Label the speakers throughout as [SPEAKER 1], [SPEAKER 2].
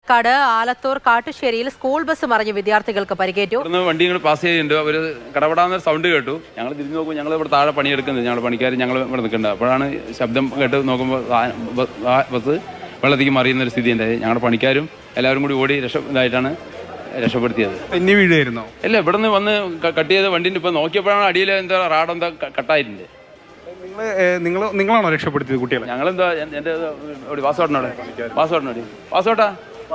[SPEAKER 1] കട് Alathur കാട്ടുശ്ശേരിയിൽ school bus മറിഞ്ഞ് വിദ്യാർത്ഥികൾക്ക് പരിക്കേറ്റു.
[SPEAKER 2] വണ്ടികൾ പാസ് ചെയ്യുന്നുണ്ട്. അവർ കടപെടാന്ന സൗണ്ട് കേട്ടു. ഞങ്ങൾ തിരിഞ്ഞു നോക്കും. ഞങ്ങൾ ഇവിടെ താഴെ പണിയെടുക്കുന്നത്, ഞങ്ങളുടെ പണിക്കാർ ഞങ്ങൾ ഇവിടെ നിൽക്കുന്നുണ്ട്. അപ്പോഴാണ് ശബ്ദം കേട്ട് നോക്കുമ്പോൾ ബസ് വെള്ളത്തേക്ക് മറിയുന്നൊരു സ്ഥിതി ഉണ്ടായി. ഞങ്ങളുടെ പണിക്കാരും എല്ലാവരും കൂടി ഓടി ഇതായിട്ടാണ് രക്ഷപ്പെടുത്തിയത്.
[SPEAKER 3] തെന്നി വീഴുമായിരുന്നോ?
[SPEAKER 2] അല്ല, ഇവിടെ നിന്ന് വന്ന് കട്ട് ചെയ്ത വണ്ടിൻ്റെ ഇപ്പം നോക്കിയപ്പോഴാണ് അടിയിൽ എന്താ റാഡെന്താ കട്ടായിട്ടുണ്ട്.
[SPEAKER 3] നിങ്ങളാണോ രക്ഷപ്പെടുത്തിയത് കുട്ടികളെ?
[SPEAKER 2] ഞങ്ങളെന്താ എൻ്റെ പാസ്പോർട്ടാ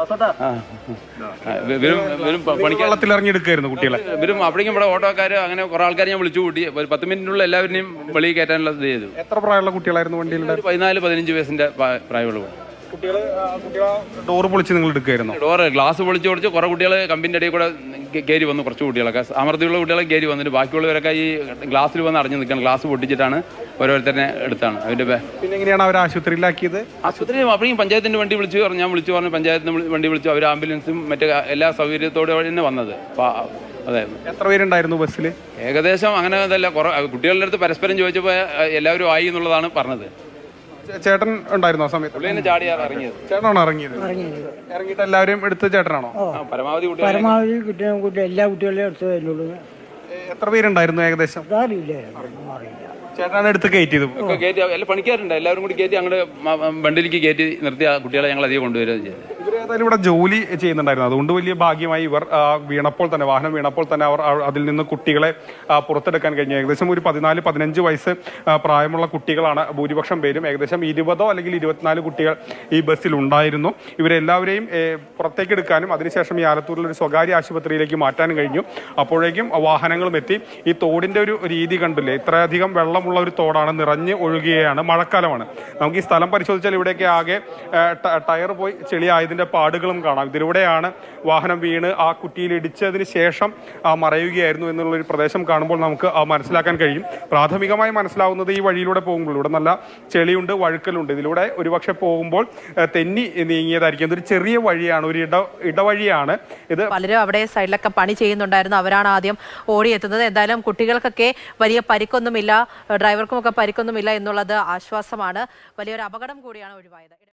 [SPEAKER 3] വെള്ളത്തിൽ ഇറങ്ങിയെടുക്കായിരുന്നു കുട്ടികളെ.
[SPEAKER 2] ഇവരും അപ്പോഴേക്കും ഇവിടെ ഓട്ടോക്കാർ അങ്ങനെ കുറെ ആൾക്കാർ ഞാൻ വിളിച്ചു കൂട്ടി. ഒരു 10 മിനിറ്റിനുള്ള എല്ലാവരെയും വെളിയിൽ കയറ്റാനുള്ള ഇത് ചെയ്തു.
[SPEAKER 3] എത്ര പ്രായമുള്ള കുട്ടികളായിരുന്നു വണ്ടിയിൽ?
[SPEAKER 2] 14-15 വയസ്സിന്റെ പ്രായമുള്ള
[SPEAKER 3] കുട്ടികൾ. ഡോറ് പൊളിച്ച് നിങ്ങൾ എടുക്കായിരുന്നു?
[SPEAKER 2] ഡോറ് ഗ്ലാസ് പൊളിച്ച് കുറെ കുട്ടികൾ കമ്പിന്റെ ഇടയിൽ കൂടെ കയറി വന്നു. കുറച്ച് കുട്ടികളൊക്കെ അമർത്തിയുള്ള കുട്ടികളെ കയറി വന്നിട്ട് ബാക്കിയുള്ളവരൊക്കെ ഈ ഗ്ലാസ്സിൽ വന്ന് അടഞ്ഞു നിൽക്കണം. ഗ്ലാസ് പൊട്ടിച്ചിട്ടാണ് ഓരോരുത്തരെ എടുത്താണ് അതിന്റെ.
[SPEAKER 3] പിന്നെ എങ്ങനെയാണ് അവർ ആശുപത്രിയിലാക്കിയത്?
[SPEAKER 2] ആശുപത്രി അപ്പോഴും പഞ്ചായത്തിന്റെ വണ്ടി വിളിച്ചു പറഞ്ഞു. ഞാൻ വിളിച്ചു പറഞ്ഞു, പഞ്ചായത്തിന് വണ്ടി വിളിച്ചു. അവർ ആംബുലൻസും മറ്റേ എല്ലാ സൗകര്യത്തോടെ തന്നെ വന്നത്. അതെ.
[SPEAKER 3] എത്ര പേരുണ്ടായിരുന്നു ബസ്സിൽ?
[SPEAKER 2] ഏകദേശം അങ്ങനെ അതല്ല, കുറെ കുട്ടികളുടെ അടുത്ത് പരസ്പരം ചോദിച്ചപ്പോൾ എല്ലാവരും ആയി എന്നുള്ളതാണ് പറഞ്ഞത്.
[SPEAKER 3] ചേട്ടൻ ഉണ്ടായിരുന്നു ആ സമയത്ത്?
[SPEAKER 2] ചാടിയാണ് ഇറങ്ങിയത്.
[SPEAKER 3] ചേട്ടനാണോ ഇറങ്ങിയത്? ഇറങ്ങിയിട്ട് എല്ലാവരും എടുത്ത് ചേട്ടനാണോ?
[SPEAKER 2] പരമാവധി
[SPEAKER 4] എല്ലാ കുട്ടികളെയും എടുത്ത്.
[SPEAKER 3] എത്ര പേരുണ്ടായിരുന്നു ഏകദേശം? ചേട്ടനാണ് എടുത്ത് കയറ്റിയത്?
[SPEAKER 2] എല്ലാ പണിക്കാരുണ്ട്, എല്ലാവരും കൂടി കയറ്റി അങ്ങോട്ട് വണ്ടിയിലേക്ക് കയറ്റി നിർത്തി ആ കുട്ടികളെ ഞങ്ങൾ അധികം കൊണ്ടുവരികയും ചെയ്തു.
[SPEAKER 3] ഇവരേതായാലും ഇവിടെ ജോലി ചെയ്യുന്നുണ്ടായിരുന്നു. അതുകൊണ്ട് വലിയ ഭാഗ്യമായി ഇവർ വാഹനം വീണപ്പോൾ തന്നെ അവർ അതിൽ നിന്ന് കുട്ടികളെ പുറത്തെടുക്കാൻ കഴിഞ്ഞു. ഏകദേശം ഒരു 14-15 വയസ്സ് പ്രായമുള്ള കുട്ടികളാണ് ഭൂരിപക്ഷം പേരും. ഏകദേശം 20 അല്ലെങ്കിൽ 24 കുട്ടികൾ ഈ ബസ്സിൽ ഉണ്ടായിരുന്നു. ഇവരെല്ലാവരെയും പുറത്തേക്ക് എടുക്കാനും അതിനുശേഷം ഈ ആലത്തൂരിലൊരു സ്വകാര്യ ആശുപത്രിയിലേക്ക് മാറ്റാനും കഴിഞ്ഞു. അപ്പോഴേക്കും വാഹനങ്ങളും എത്തി. ഈ തോടിന്റെ ഒരു രീതി കണ്ടില്ലേ? ഇത്രയധികം വെള്ളമുള്ള ഒരു തോടാണ്, നിറഞ്ഞ് ഒഴുകുകയാണ്. മഴക്കാലമാണ്. നമുക്ക് ഈ സ്ഥലം പരിശോധിച്ചാൽ ഇവിടെയൊക്കെ ആകെ ടയർ പോയി ചെളിയായതിന്റെ പാടുകളും കാണാം. ഇതിലൂടെയാണ് വാഹനം വീണ് ആ കുറ്റിയിൽ ഇടിച്ചതിന് ശേഷം മറയുകയായിരുന്നു എന്നുള്ളൊരു പ്രദേശം കാണുമ്പോൾ നമുക്ക് മനസ്സിലാക്കാൻ കഴിയും. പ്രാഥമികമായി മനസ്സിലാവുന്നത് ഈ വഴിയിലൂടെ പോകുമ്പോൾ ഇവിടെ നല്ല ചെളിയുണ്ട്, വഴുക്കലുണ്ട്. ഇതിലൂടെ ഒരുപക്ഷെ പോകുമ്പോൾ തെന്നി നീങ്ങിയതായിരിക്കും. ഇതൊരു ചെറിയ വഴിയാണ്, ഒരു ഇടവഴിയാണ് ഇത്.
[SPEAKER 1] പലരും അവിടെ സൈഡിലൊക്കെ പണി ചെയ്യുന്നുണ്ടായിരുന്നു. അവരാണ് ആദ്യം ഓടിയെത്തുന്നത്. എന്തായാലും കുട്ടികൾക്കൊക്കെ വലിയ പരിക്കൊന്നുമില്ല, ഡ്രൈവർക്കുമൊക്കെ പരിക്കൊന്നുമില്ല എന്നുള്ളത് ആശ്വാസമാണ്. വലിയൊരു അപകടം കൂടിയാണ് ഒഴിവായത്.